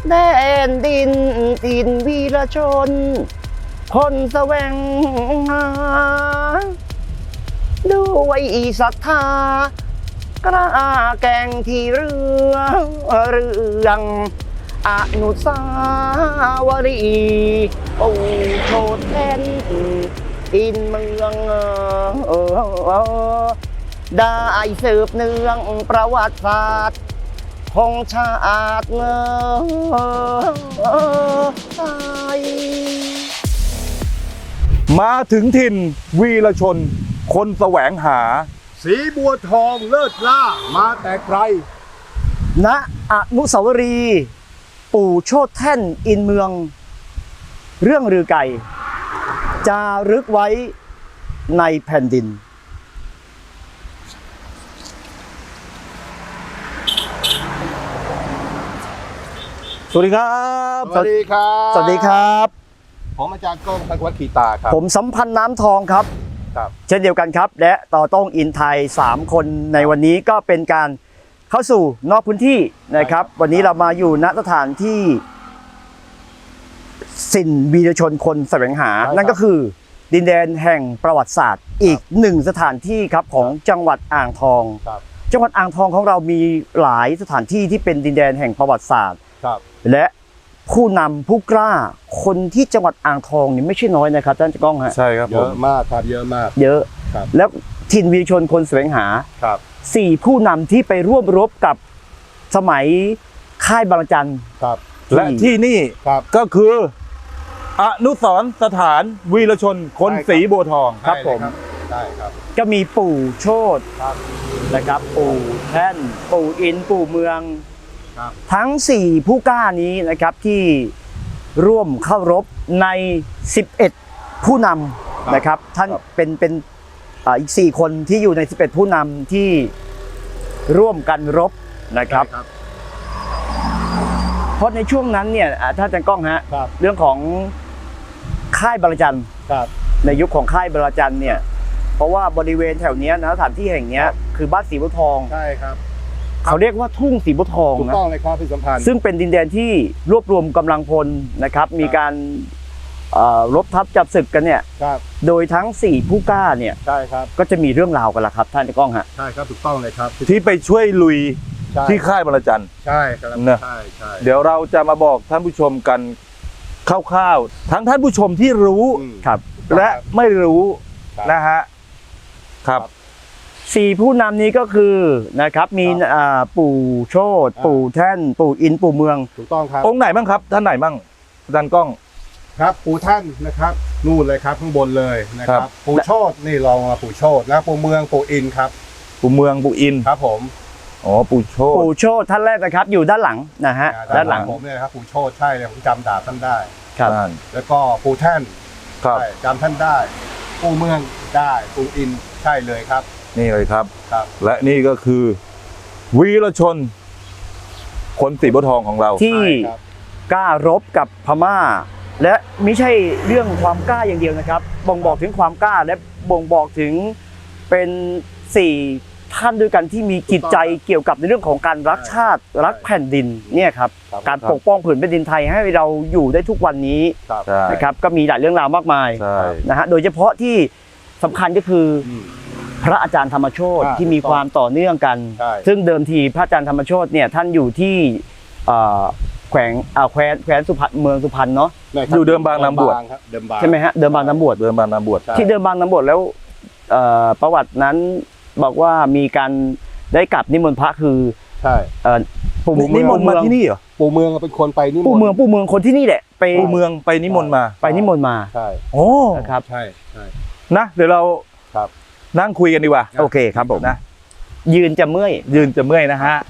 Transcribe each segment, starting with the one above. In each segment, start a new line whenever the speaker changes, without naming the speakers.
แดนดินถิ่นวีรชนคนแสวงหาด้วยศรัทธากล้าแกร่งที่เรื่องอนุสาวรีย์ปู่โชตแทนอินเมืองได้สืบเนื่องประวัติศาสตร์ของชาติไทย
มาถึงถิ่นวีรชนคนแสวงหา
สีบัวทองเลิศล่ามาแต่ไกล
ณอนุสาวรีย์ปู่โชติแท่นอินเมืองเรื่องลือไก่จารึกไว้ในแผ่นดิน
สวัสดีครับ
สวัสดีครับ
สวัสดีครับ
ผมอาจารย์ก้องทักวัฒน์ขีตาครับ
ผมสัมพันธ์น้ำทองครับ
ครับ
เช่นเดียวกันครับและต่อต้องอินไทย3คนในวันนี้ก็เป็นการเข้าสู่นอกพื้นที่นะครับวันนี้เรามาอยู่ณสถานที่ถิ่นวีรชนคนแสวงหานั่นก็คือดินแดนแห่งประวัติศาสตร์อีกหนึ่งสถานที่ครับของจังหวัดอ่างทองจังหวัดอ่างทองของเรามีหลายสถานที่ที่เป็นดินแดนแห่งประวัติศาสตร์และผู้นำผู้กล้าคนที่จังหวัดอ่างทองนี่ไม่ใช่น้อยนะครับท่านก้องฮะ
ใช่ครับ
เยอะมากครับเยอะมาก
เยอะแล้วถิ่นวีรชนคนแสวงหา4ผู้นำที่ไปร่วมรบกับสมัยค่ายบางระจัน
และที่นี่ก็คืออนุสรณ์สถานวีรชนคนศรีบัวทอง
ครับผม
ใช่ครับ
ก็มีปู่โชตินะครับปู่แท่นปู่อินปู่เมืองทั้ง4ผู้กล้านี้นะครับที่ร่วมเข้ารบใน11ผู้นำนะครับท่านเป็นอีก4คนที่อยู่ใน11ผู้นำที่ร่วมกันรบนะครับเพราะในช่วงนั้นเนี่ยท่านอาจารย์ก้องฮะเรื่องของค่ายบางระจันในยุคของค่ายบางระจันเนี่ยเพราะว่าบริเวณแถวนี้นะสถานที่แห่งนี้คือบ้านศรีบัวทอง
ใช่ครับ
เขาเรียกว่าทุ่งศรีบัวทอง
นะถูกต้องเลยครับพี่สัมพันธ์
ซึ่งเป็นดินแดนที่รวบรวมกำลังพลนะครับมีการรบทับจับศึกกันเนี่ยโดยทั้ง4ผู้กล้าเนี่ย
ใช่ครับ
ก็จะมีเรื่องราวกันละครับท่านก้องฮะ
ใช่ครับถูกต้องเลยครับ
ที่ไปช่วยลุยที่ค่ายบางระจัน
ใช่ครับ
ใช่เดี๋ยวเราจะมาบอกท่านผู้ชมกันคร่าวๆทั้งท่านผู้ชมที่รู้และไม่รู้นะฮะครับ
4ผู้นำนี้ก็คือนะครับมีปู่โชติปู่แท่นปู่อินปู่เมือง
ถูกต้องครับ
องค์ไหนบ้างครับท่านไหนบ้างอาจารย์ก้อง
ครับปู่ท่านนะครับนู่นเลยครับข้างบนเลยนะครับปู่โชตินี่ลองมาปู่โชตินะปู่เมืองปู่อินครับ
ปู่เมืองปู่อิน
ครับผม
อ๋อปู่โช
ติท่านแรกนะครับอยู่ด้านหลังนะฮะด้านหลัง
ผมเนี่ยครับปู่โชติใช่เลยผมจำดาบท่านได้
ครับ
แล้วก็ปู่แท่น
ครับ
จำท่านได้ปู่เมืองได้ปู่อินใช่เลยครับ
นี่เลยครับและนี่ก็คือวีรชนคนศรีบัวทองของเรา
ที่กล้ารบกับพม่าและไม่ใช่เรื่องความกล้าอย่างเดียวนะครับบ่งบอกถึงความกล้าและบ่งบอกถึงเป็น4ท่านด้วยกันที่มีจิตใจเกี่ยวกับในเรื่องของการรักชาติรักแผ่นดินเนี่ยครับการปกป้องผืนแผ่นดินไทยให้เราอยู่ได้ทุกวันนี้นะครับก็มีหลายเรื่องราวมากมายนะฮะโดยเฉพาะที่สำคัญก็คือพระอาจารย์ธรรมโชติที่มีความต่อเนื่องกันซึ่งเดิมทีพระอาจารย์ธรรมโชติเนี่ยท่านอยู่ที่แขวนสุพรรณเมืองสุพรรณเนาะ
อยู่เดิมบางนำบวช
ใช่ไหมฮะเดิมบางนำบวชที่เดิมบางนำบวชแล้วประวัตินั้นบอกว่ามีการได้กลับนิมนต์พระคือ
ใช่
ปู่นิมนต์มาที่นี่เหรอ
ปู่เมืองเป็นคนไปนิมนต์
ปู่เมืองคนที่นี่แหละ
ปู่เมืองไปนิมนต์มา
ใช่
โอ้นะครับ
ใช่
นะเดี๋ยวเรานั่งคุยกันดีกว่า
โอเคครับผม
นะ
ยืนจะเมื่อย
นะฮะ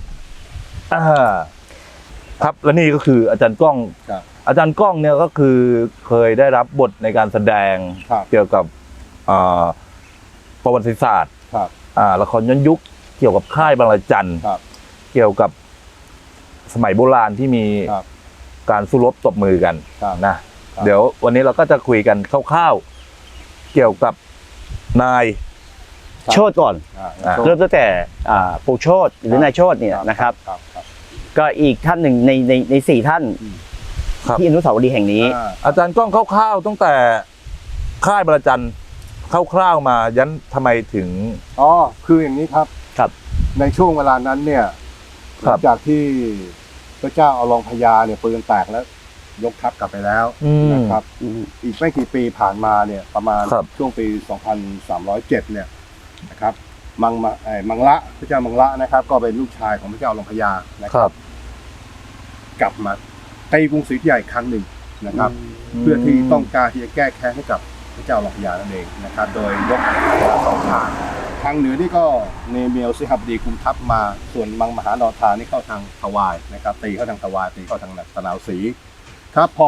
ครับและนี่ก็คืออาจารย์ก้องเนี่ยก็คือเคยได้รับบทในการแสดงเกี่ยวกับประวัติศาสตร์ละครย้อนยุคเกี่ยวกับค่ายบางระจันเกี่ยวกับสมัยโบราณที่มีการสู้รบตบมือกันนะเดี๋ยววันนี้เราก็จะคุยกันคร่าวๆเกี่ยวกับนาย
โชติก่อนเริ่มตั้งแต่ปู่โชติหรือนายโชติเนี่ยนะครับก็อีกท่านหนึ่งในสี่ท่าน
ครับ
ที่อนุสาวรีย์แห่งนี้
อาจารย์กล้องคร่าวๆตั้งแต่ค่ายบรจันทร์คร่าวๆมายันทำไมถึง
อ๋อคืออย่างนี้ครับ
ครับ
ในช่วงเวลานั้นเนี่ยห
ครั
ลั
บ
งจากที่พระเจ้าอลองพญาเนี่ยปืนแตกแล้วยกทัพกลับไปแล้วนะครับ อีกไม่กี่ปีผ่านมาเนี่ยประมาณ
ครับ
ช่วงปี 2307 เนี่ยนะครับมังละพระเจ้ามังละนะครับ ก็เป็นลูกชายของพระเจ้าอลองพญานะ
ค
ค
รั
รับ บ กลับมาตีกรุงศรีอยุธยาอีกครั้งหนึ่งนะครับ เพื่อที่ต้องการที่จะแก้แค้นให้กับพระเจ้าอลองพญานั่นเองนะครับ โดยยกสองทางเหนือนี่ก็เนเมียวสิหบดีคุมทัพมาส่วนมังมหานรธานี่เข้าทางทวายนะครับตีเข้าทางทวายตีเข้าทางตะนาวศรีครับพอ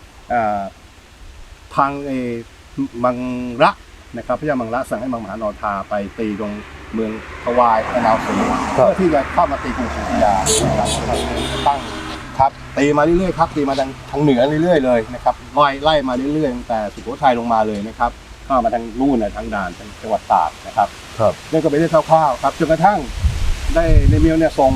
ทางมังระนะครับพระเจ้ามังระสั่งให้มังมหานรธาไปตีตรงเมืองทวายตะนาวศรีเพื่อที่จะเข้ามาตีกรุงศรีอยุธยานะครับตั้งครับตีมาเรื่อยๆครับตีมาทางเหนือเรื่อยๆเลยนะครับไล่มาเรื่อยๆตั้งแต่สุโขทัยลงมาเลยนะครับเข้ามาทางนู่นนะทางด่านทางจังหวัดตากนะครับ
ครับ
นั่นก็เป็นเรื่องคร่าวๆครับจนกระทั่งได้ในเมียวเนี่ยส่ง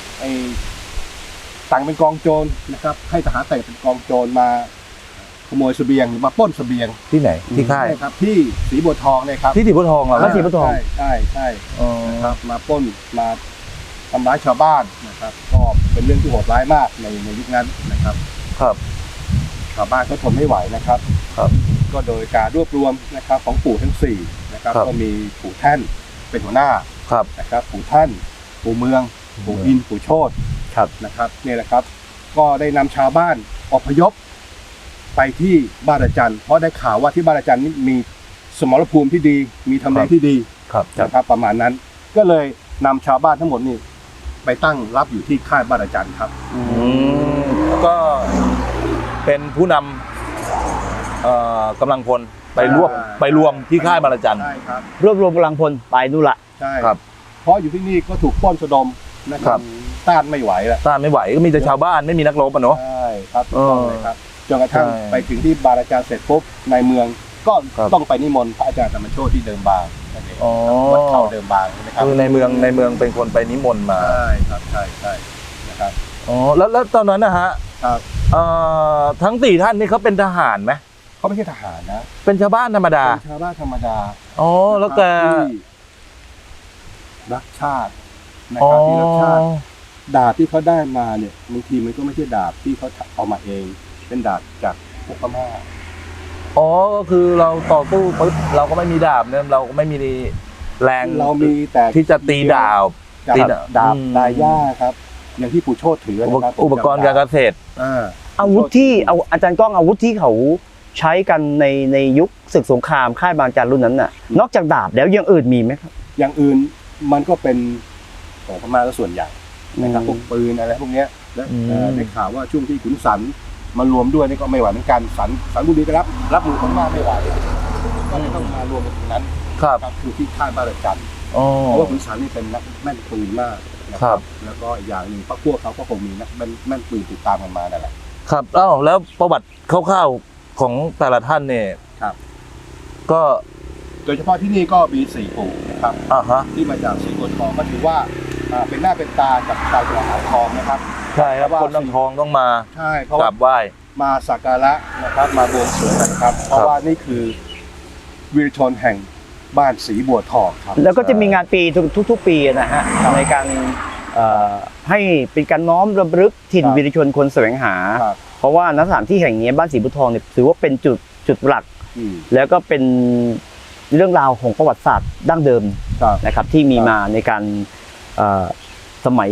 สั่งเป็นกองโจรนะครับให้ทหารแต่งเป็นกองโจรมาขโมยเสบียงหรือมาปล้นเสบียง
ที่ไหนที่ค่าย
ใช่ครับที่ศรีบัวทองเนี่ยครับ
ที่สีบัวทองเหรอ
แล้วสีบัวทอง
ใช่
อ๋อ
ครับมาปล้นมาทำร้ายชาวบ้านนะครับก็เป็นเรื่องที่โหดร้ายมากในยุคนั้นนะครับ
ครับ
ชาวบ้านก็ทนไม่ไหวนะครับ
ครับ
ก็โดยการรวบรวมนะครับของปู่ทั้งสี่นะครับ
ครับ
ก็มีปู่แท่นเป็นหัวหน้า
ครับ
นะครับปู่ท่านปู่เมืองปู่อินปู่โชติ
ครับ
นะครับนี่แหละครับ ก็ได้นำชาวบ้านอพยพไปที่บ้านอาจารย์เพราะได้ข่าวว่าที่บ้านอาจารย์นี่มีสมรภูมิที่ดี มีทำเลที่ดี
ครับ
นะครับ ประมาณนั้น ก็เลยนำชาวบ้านทั้งหมดนี่ไปตั้งรับอยู่ที่ค่ายบ้านอาจารย์ครับ
แล้วก็เป็นผู้นำกำลังพลไปรวมที่ค่ายบรจันทร์
ใช่ครับ
รวบรวมกำลังพลไปนู่นละ
ใช่
ครับ
เพราะอยู่ที่นี่ก็ถูกปล้นสะดมนะค
ครั
รับบ ต้านไม่ไหวแล้ว
ต้านไม่ไหวก็มีแต่ชาวบ้านไม่มีนักรบอ่ะเนาะ
ใช่ครับถูกต้องเลยครับจนกระทั่ง
ใช่
ไปถึงที่บาราจารย์เสร็จปุ๊บในเมืองก็
ครับ
ต้องไปนิมนต์พระอาจารย์ธรรมโชติที่เดิมบางนั่นเอง
อ๋อ
วัดเขาเดิมบางใช่ไหมครับ
คือในเมืองเป็นคนไปนิมนต์มา
ใช่ครับใช่นะครับ
อ๋อแล้วตอนนั้นนะฮะ
ครับ
ทั้งสี่ท่านนี่เขาเป็นทหารไหม
เขาไม่ใช่ทหารนะ
เป็นชาวบ้านธรรมดา
เป็นชาวบ้านธรรมดา
อ๋อแล้วแก
ที่รักชาตินะครับที่รักชาติดาบที่เขาได้มาเนี่ยบางทีมันก็ไม่ใช่ดาบที่เขาเอามาเอง เป็นดาบจากพวกพม่า
อ๋อก็คือเราต่อสู้ปุ๊บเราก็ไม่มีดาบเนี่ยเราก็ไม่มีแรง
เรามีแต่
ที่จะตีดาบ
ดา
ตี
บดาบ
อืม
ดาย่าครับ อย่างที่ปู่โชติถือนะครับ
อุปกรณ์การเกษตร
อาวุธที่เอาอาจารย์ก้องอาวุธที่เขาใช้กันในยุคศึกสงครามค่ายบางจันรุ่นนั้นน่ะ นอกจากดาบแล้วอยังอื่นมีไหมครับ
อย่างอื่นมันก็เป็นของพม่าก็ส่วนใหญ่นะครับพวกปืนอะไรพวกเนี้ยและ
อืม
ได้ข่าวว่าช่วงที่ขุนศรมารวมด้วยนี่ก็ไม่ไหวเหมือนกันสันบุรีก็รับมือพม่าไม่ไหวก็เลยต้องมารวมกันตรงนั้น
ครับ
ครับคือที่ค่ายบ้านจันทร์
อ๋อ
เพราะว่าขุนศรนี่เป็นนักแม่นปืนมากนะครับ แล้วก็อีกอย่างหนึ่งพวกเขาก็คงมีนักแม่นปืนติดตามกันมานั่นแหละ
ครับแล้วประวัติคร่าวๆของแต่ละท่านเนี่ย
ครับ
ก็
โดยเฉพาะที่นี่ก็มี4ปู่นะครับ
ฮะ
ที่มาจากศรีบัวทองก็ถือว่าเป็นหน้าเป็นตากับชาวจังหวัดอ่างทองนะครับ
ใช่ครับ
เพราะว่า
คนน้ำทองต้องมา
ใช่เพราะ
กรา
ว่า
บไหว้
มาสักการะนะครับมาบวงสรวงกันครับ เพราะว่านี่คือวีรชนแห่งบ้านศรีบัวทองครับ
แล้วก็จะมีงานปีทุกๆปีนะฮะในการให้เป็นการน้อมรำลึกถิ่นวีรชนคนแสวงหา
ครับ
เพราะว่าณสถานที่แห่งนี้บ้านศรีบุญทองเนี่ยถือว่าเป็นจุดหลัก
อืม
แล้วก็เป็นเรื่องราวของประวัติศาสตร์ดั้งเดิม
ครับ
นะครับ ที่มีมาในการสมัย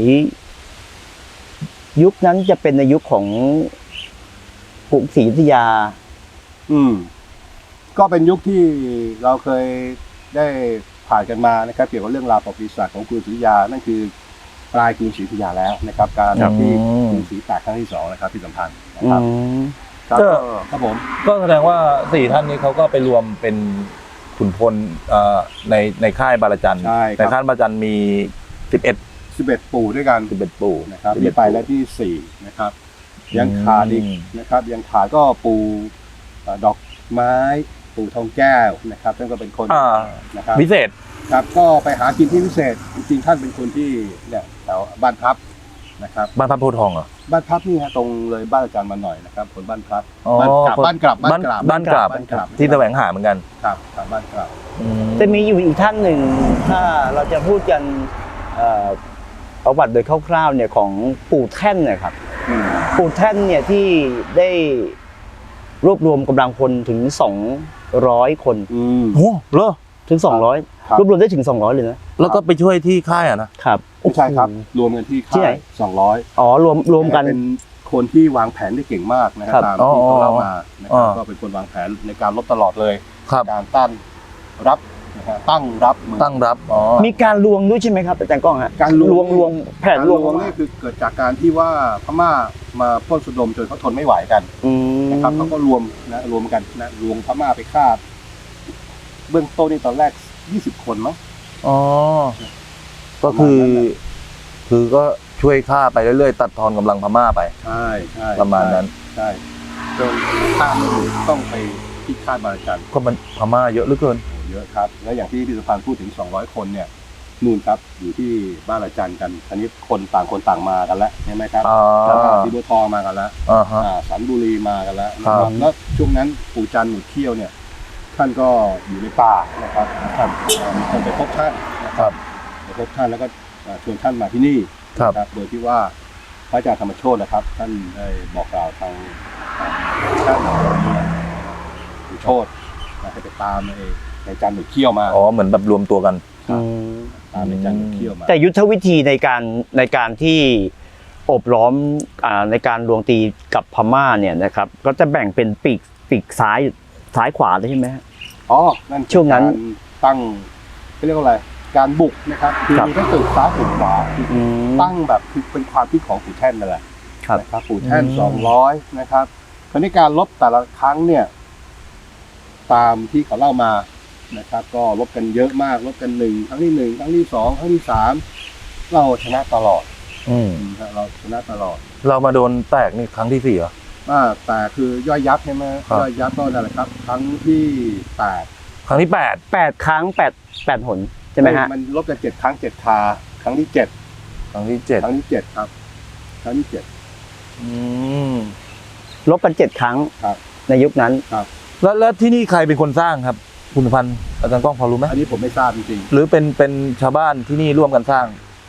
ยุคนั้นจะเป็นในยุคของกรุงศรีอยุธยา
ก็เป็นยุคที่เราเคยได้ผ่านกันมานะครับเกี่ยวกับเรื่องราวประวัติศาสตร์ของกรุงศรีอยุธยานั่นคือปลายกรุงศรีอยุธยาแล้วนะครับ การ
ครับ
ที่กรุงศรีแตกครั้งที่2นะครับที่สำคัญนะครับครับ
ก็
ครับผม
ก็แสดงว่าสี่ท่านนี้เขาก็ไปรวมเป็นขุนพลในค่ายบารจันทร์
ใช่ครับ
ในค่ายบารจันทร์มี
11 ปู่ด้วยกัน
11ปู่
นะครับ
11
ที่ไปแล้วที่4นะครับยังขาดอีกนะครับยังขาดก็ปู่ดอกไม้ปู่ทองแก้วนะครับท่านก็เป็นคนนะครับ
พิเศษ
ครับก็ไปหากินที่พิเศษจริงๆท่านเป็นคนที่เนี่ยแถวบ้านพับนะครับ
บ้านพระโพธิ์ทองเหรอ
บ้านพับนี่ฮะตรงเลยบ้านอาจารย์มาหน่อยนะครับคนบ้านพับ
อ๋อ
บ้านกลับ
บ้านกราบ
บ้านกลับ
ที่แสวงหาเหมือนกัน
ครับครับบ้านกลับ
จะมีอยู่อีกท่านหนึ่งถ้าเราจะพูดกันประวัติโดยคร่าวๆเนี่ยของปู่แท่นเนะครับ ปู่แท่นเนี่ยที่ได้รวบรวมกำลังพลถึง200 คน
โอ้เหรอ
ถึง 200
ครับ
รวบรวมได้ถึง200เลยนะ
แล้วก็ไปช่วยที่ค่ายอ่ะนะครับ
ไม่ใช่ครับรวมกันที่
ที่ไหน
ค่าย200
อ๋อรวมกัน
เป็นคนที่วางแผนได้เก่งมากนะค
ครั
รับบ ตามที่เขาเล่ามานะครับก็เป็นคนวางแผนในการรบตลอดเลย
ครับ
การตั้งรับนะฮะตั้งรับมือ
ตั้งรับอ๋อ
มีการลวงด้วยใช่ไหมครับอาจารย์ก้องฮะ
การลวง
ลวงแผน
การ
ล
ล
วง
วงนี่คือเกิดจากการที่ว่าพม่ามาปล้นสุดมจนเขาทนไม่ไหวกัน
อืม
นะครับเขาก็รวมกันนะรวมพม่าไปฆ่าเบื้องต้นนี่ตอนแรก20 คนมั้ง
อ๋อก็คือก็ช่วยฆ่าไปเรื่อยๆตัดทอนกำลังพม่าไป
ใช่ใช่
ประมาณนั้น
ใช่จนฆ่าไม่ถูกต้องไปที่ค่ายบางระจัน
ก็มันพม่าเยอะเหลือเกิน
เยอะครับแล้วอย่างที่พิสุพันธ์พูดถึง200 คนเนี่ยนู่นครับอยู่ที่บ้านระจันกันอันนี้คนต่างมากันแล้วใช่ไหมครับ
อ๋อ
สีบัวทองมากันแล้ว
อ่าฮะ
สันบุรีมากันแล้วนะค
ครั
รับบ แล้วช่วงนั้นปู่จันทร์หนุดเขี้ยวเนี่ยท่านก็อยู่ในป่านะครับมีคนไปพบท่านนะครับไปพบท่านแล้วก็ชวนท่านมาที่นี่
ครับ
นะโดยที่ว่าพระอาจารย์ธรรมโชตินะครับ ท่านได้บอกกล่าวทางท่านปู่โชติให้ไปตามในจันทร์หนุดเขี้ยวมา
อ๋อเหมือนแบบรวมตัวกัน
อืม
ตามในจันทร์หนุดเขี้ยวมา
แต่ยุทธวิธีในการที่โอบล้อมในการลวงตีกับพม่าเนี่ยนะครับก็จะแบ่งเป็นปีกซ้ายขวาเลยใช่ไหมฮะ
อ๋อนั่นคือ
ช่วงนั้น
การตั้งเขาเรียกว่าอะไรการบุกนะครับคือ
ครับ
มีทั้งตึกซ้ายตึกขวา
อืม
ตั้งแบบคือเป็นความคิดของปู่แท่นนั่นแหละ
ครับ
นะครับปู่แท่น200นะครับคราวนี้การลบแต่ละครั้งเนี่ย ตามที่เขาเล่ามานะครับ ก็ลบกันเยอะมากลบกัน1ครั้งที่1ครั้งที่2ครั้งที่3เราชนะตลอด
อืม
เราชนะตลอด
เรามาโดนแตกนี่ครั้งที่4เหรอ
แต่คือย่อยยับใช่ไหม
ครับ
ย่อยยับก็นั่นแหละครับ ครั้งที่8
ครั้งที่
8 ครั้ง8 หนใช่ไหมฮะ
มันลบกัน7 ครั้ง7 คาครั้งที่7
ครั้งที่
ครั้งที่7ครับครั้งที่7
อืม
ลบกัน7 ครั้ง
ครับ
ในยุคนั้น
แล้วที่นี่ใครเป็นคนสร้างครับคุณสุพันธ์อาจารย์ก้องพอรู้ไหม
อันนี้ผมไม่ทราบจริง
หรือเป็นชาวบ้านที่นี่ร่วมกันสร้าง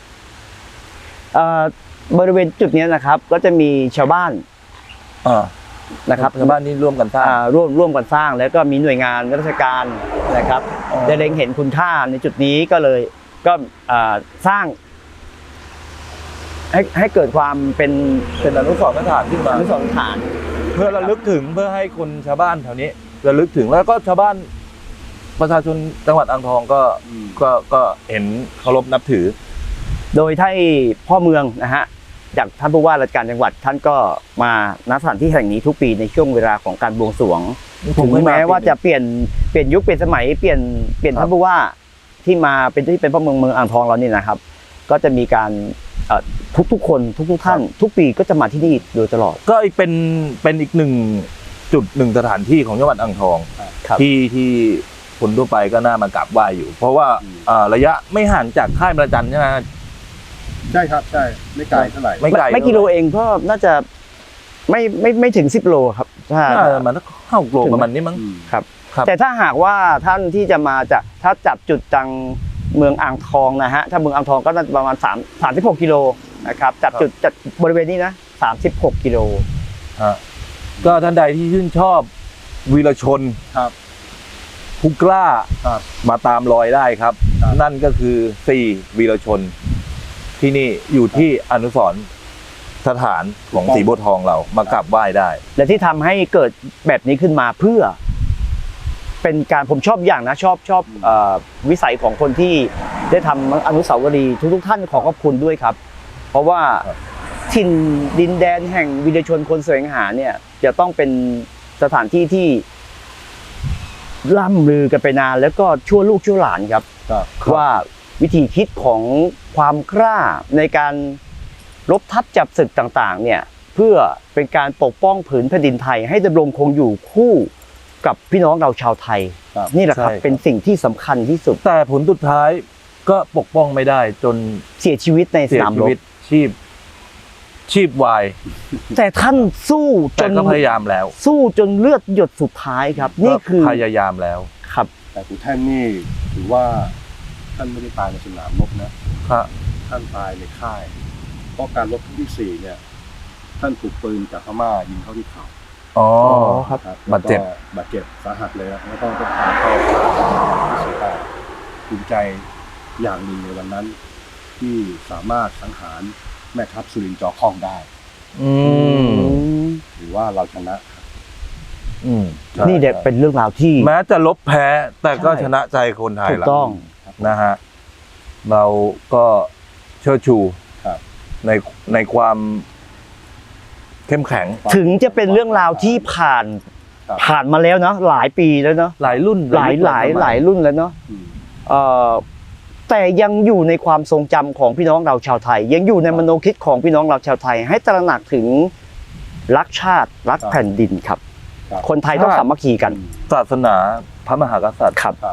บริเวณจุดนี้นะครับ ก็จะมีชาวบ้าน
อ่า
นะครับ
ชาวบ้านนี่ร่วมกันสร้าง
ร่วมกันสร้าง แล้วก็มีหน่วยงานราชการนะครับ
อ๋อ
ได้เล็งเห็นคุณค่าในจุดนี้ก็เลยก็สร้าง ให้เกิดความเป็น
เป็นอนุสรณ์สถานขึ้นมา
อนุสรณ์สถาน
เพื่อระลึกถึงเพื่อให้คนชาวบ้านแถวนี้ระลึกถึงแล้วก็ชาวบ้านประชาชนจังหวัดอ่างทองก็
อืม
ก็เห็นเคารพนับถือ
โดยที่พ่อเมืองนะฮะจากท่านผู้ว่าราชการจังหวัดท่านก็มาณสถานที่แห่งนี้ทุกปีในช่วงเวลาของการบวงสรวง
ผม
ถึง
เคยมา
แม้ว่า
ปีหนึ่ง
จะเปลี่ยนยุคเปลี่ยนสมัยเปลี่ยน
ครับ
ท่านผู้ว่าที่มาเป็นพ่อเมืองอ่างทองเรานี่นะครับ ก็จะมีการทุกคนทุกท่าน ทุกปีก็จะมาที่นี่โดยตลอด
ก็อีกเป็นอีกหนึ่งจุดหนึ่งสถานที่ของจังหวัดอ่างทอง
ครับ
ที่คนทั่วไปก็น่ามากราบไหว้อยู่ เพราะว่าระยะไม่ห่างจากค่ายประจันใช่ไหม
ใช่ครับใช่ไม่ไกลเท่าไหร่
ไม่ไกล
ไม่กิโลเองก็น่าจะไม่ถึง10 โลครับถ้า
น่าจะมัน5-6 โลประมาณนี้มั้ง
อืม
ครับ
ครับ
แต่ถ้าหากว่าท่านที่จะมาจากถ้าจับจุดจังเมืองอ่างทองนะฮะถ้าเมืองอ่างทองก็น่าจะประมาณ36 กิโลนะครับจับจุดจัดบริเวณนี้นะ36 กิโล
ฮะก็ท่านใดที่ชื่นชอบวีรชน
ครับ
ผู้กล้า
ครับ
มาตามรอยได้ครับ
ครับ
นั่นก็คือ4วีรชน ที่นี่อยู่ที่อนุสรณ์สถานของสีบัวทองเรามากราบไหว้ได้
และที่ทำให้เกิดแบบนี้ขึ้นมาเพื่อ เป็นการผมชอบอย่างนะชอบวิสัยของคนที่ได้ทำอนุสาวรีย์ทุกท่านขอขอบคุณด้วยครับ เพราะว่า
ครับ
ถิ่นดินแดนแห่งวีรชนคนแสวงหาเนี่ยจะต้องเป็นสถานที่ที่ล่ำลือกันไปนานแล้วก็ชั่วลูกชั่วหลานครับ
ครับ
ว่าวิธีคิดของความกล้าในการรบทัพจับศึกต่างๆเนี่ยเพื่อเป็นการปกป้องผืนแผ่นดินไทยให้ดำรงคงอยู่คู่กับพี่น้องเราชาวไทย
ครับ
นี่แหละครับ
ใช่ครับ
เป็นสิ่งที่สำคัญที่สุด
แต่ผลสุดท้ายก็ปกป้องไม่ได้จน
เสียชีวิตในส
เสีย
นาม
ชี
รบ
วิตชีพชีพวาย
แต่ท่านสู้จ
แต่
น
ก็พยายามแล้ว
สู้จนเลือดหยดสุดท้ายครับ นี่คือ
พยายามแล้ว
ครับ
แต่ปู่แท่นนี่ถือว่าท่านไม่ได้ตายในสนามรบนะ
ครับ
ท่านตายในค่าย เพราะการรบครั้งที่ 4 เนี่ย ท่านถูกปืนจากพม่ายิงเข้าที่เข่า
อ๋อ
ครับ
ครับ
บาดเจ็บ
แล้วก็บาดเจ็บสาหัสเลยนะแล้วก็ต้องพาเข้าที่สุดท้ายภูมิใจอย่างหนึ่งในวันนั้น ที่สามารถสังหารแม่ทัพสุรินทร์จอคองได้
อืม
หรือว่าเราชนะ
อืมใช่
นี่เด็กเป็นเรื่องราวที่
แม้จะลบแพ้ แต่ก็
ใช่
ชนะใจคนไทย
ถูก
ละ
ต้อง
นะฮะ เราก็เชิดชู
ครับ
ในความเข้มแข็ง
ถึงจะเป็นเรื่องราวที่ผ่าน
ครับ
ผ่านมาแล้วเนาะหลายปีแล้วเนาะ
หลายรุ่น
หลาย
ยุค
หลาย
สมั
หลายรุ่นแล้วเนาะ
อืม
เอ่อแต่ยังอยู่ในความทรงจำของพี่น้องเราชาวไทย ยังอยู่ในมโนคิดของพี่น้องเราชาวไทย ให้ตระหนักถึงรักชาติรักแผ่นดินครับ
ครับ
คนไทยต้องสามัคคีกัน
ศาสนาพระมหากษัตริย์
ครับ
ครับ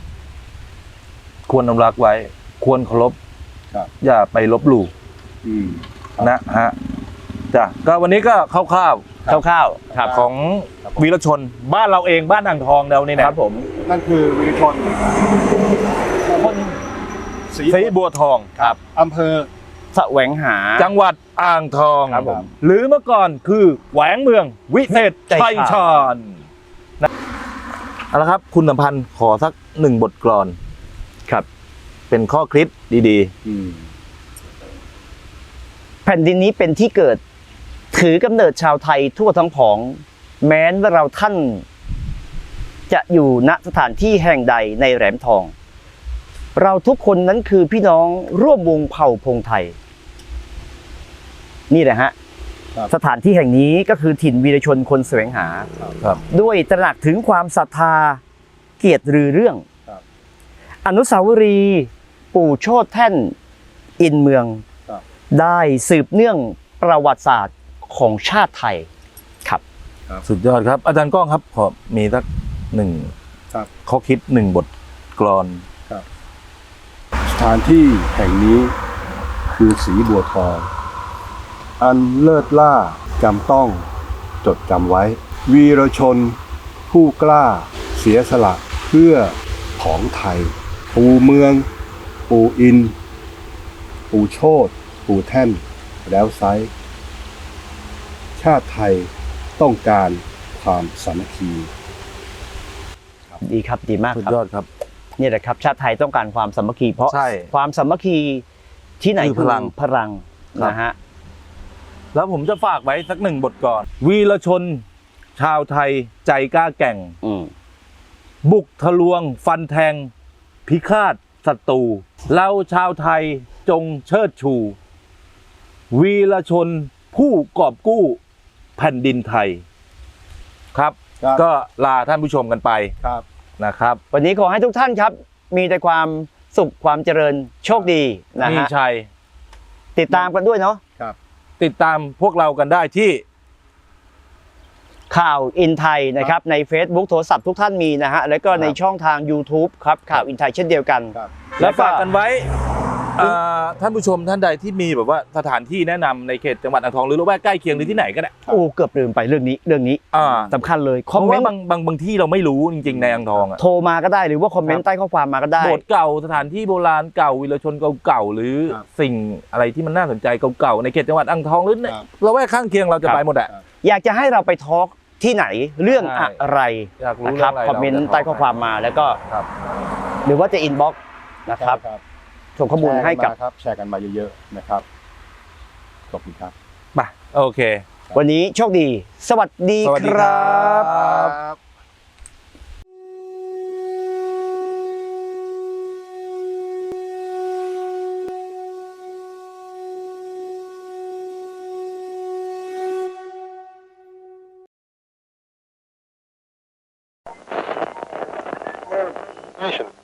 ควรอนุรักษ์ไว้ ควรเคารพ
ครับ
อย่าไปลบหลู่
อืม
นะฮะจ้ะก็วันนี้ก็คร่าว
คร่าวๆครับ
ๆของวีรชนบ้านเราเองบ้านอ่างทองเรานี่
ค
นะ
รับผม
นั่นคือวีรชนคนศรี
ศรีบัวทองครับ
อำเภอ
แสวงหา
จังหวัดอ่างทอง
ครับผม
หรือเมื่อก่อนคือแหวงเมืองวิเศษชัยชาญนะเอาละครับ คุณสัมพันธ์ขอสักหนึ่งบทกลอน
ครับ
เป็นข้อคิดดี
อืม
แผ่นดินนี้เป็นที่เกิด ถือกำเนิดชาวไทยทั่วทั้งผอง แม้ว่าเราท่าน จะอยู่ณสถานที่แห่งใดในแหลมทอง เราทุกคนนั้นคือพี่น้องร่วมวงเผ่าพงไทย นี่แหละฮะ
ครับ
สถานที่แห่งนี้ก็คือถิ่นวีรชนคนแสวงหา
ๆ ครับ
ด้วยตระหนักถึงความศรัทธาเกียรติรือเรื่อง
ครับ
อนุสาวรีย์ปู่โชติแท่นอินเมือง
ครับ
ได้สืบเนื่องประวัติศาสตร์ของชาติไทยครับ
สุดยอดครับ อาจารย์ก้องครับขอมีสักหนึ่ง
ครับ
ข้อคิดหนึ่งบทกลอน
สถานที่แห่งนี้คือศรีบัวทอง อันเลิศล่าจำต้องจดจำไว้ วีรชน ผู้กล้าเสียสละเพื่อของไทย ปู่เมือง ปู่อิน ปู่โชติปู่แท่น แล้วไซร้ชาติไทยต้องการความสามัคคี
ดีครับดีมาก
สุด
ครับ
ยอดครับ
นี่แหละครับ ชาติไทยต้องการความสามัคคีเพราะ
ใช่
ความสามัคคีที่ไหน
คือพลัง
พลัง
ครับ
นะฮะ
แล้วผมจะฝากไว้สักหนึ่งบทก่อน วีรชน ชาวไทยใจกล้าแกร่ง
อืม
บุกทะลวง ฟันแทง พิฆาตศัตรูเราชาวไทยจงเชิดชู วีรชนผู้กอบกู้แผ่นดินไทย ครับ
ครับ
ก็ลาท่านผู้ชมกันไป
ครับ
นะครับ
วันนี้ขอให้ทุกท่านครับ มีแต่ความสุขความเจริญโชคดีนะ
มี
ฮะ
ชัย
ติดตามกันด้วยเนาะ
ครับ
ติดตามพวกเรากันได้ที่
ข่าวอินไทยนะครับใน Facebook โทรศัพท์ทุกท่านมีนะฮะแล้วก็ในช่องทาง YouTube ครับข่าวอินไทยเช่นเดียวกัน
ครับ
และฝากกันไว้ท่านผู้ชมท่านใดที่มีแบบว่าสถานที่แนะนำในเขตจังหวัดอ่างทองหรือละแวกใกล้เคียงหรือที่ไหนก็ได้
โอ้เกือบลืมไปเรื่องนี้
อ่า
สำคัญเลยค
เพ
อม
ราะ
เม
ว่าน
ต์
บางที่เราไม่รู้จริงๆในอ่างทองอ่ะ
โทรมาก็ได้หรือว่าคอมเมน
ครั
ต์
บ
ใต้ข้อความมาก็ได้
โบสถ์เก่าสถานที่โบราณเก่าวีรชนเก่าๆหรือ
ครับ
สิ่งอะไรที่มันน่าสนใจเก่าๆในเขตจังหวัดอ่างทองหรือใน
ครับ
ละแวกข้างเคียงเราจะ
ครับ
ไปหมดอะ
อยากจะให้เราไปทอล์กที่ไหนเรื่อง
ใช่
อะไร
อยากรู้
นะค
เรื่
รั
อบ งอะไร
คอมเมนต์ใต้ข้อความมาแล้วก็
ครับ
หรือว่าจะอินบ็อกซ์นะครับส่งข้อมูลให้กับ
แชร์กันมาเยอะๆนะครับขอบคุณครับ
ไปโอเค
วันนี้โชคดี สวัสดี
สวัสดี
ค
ค
รั
รับ
บ
Nation.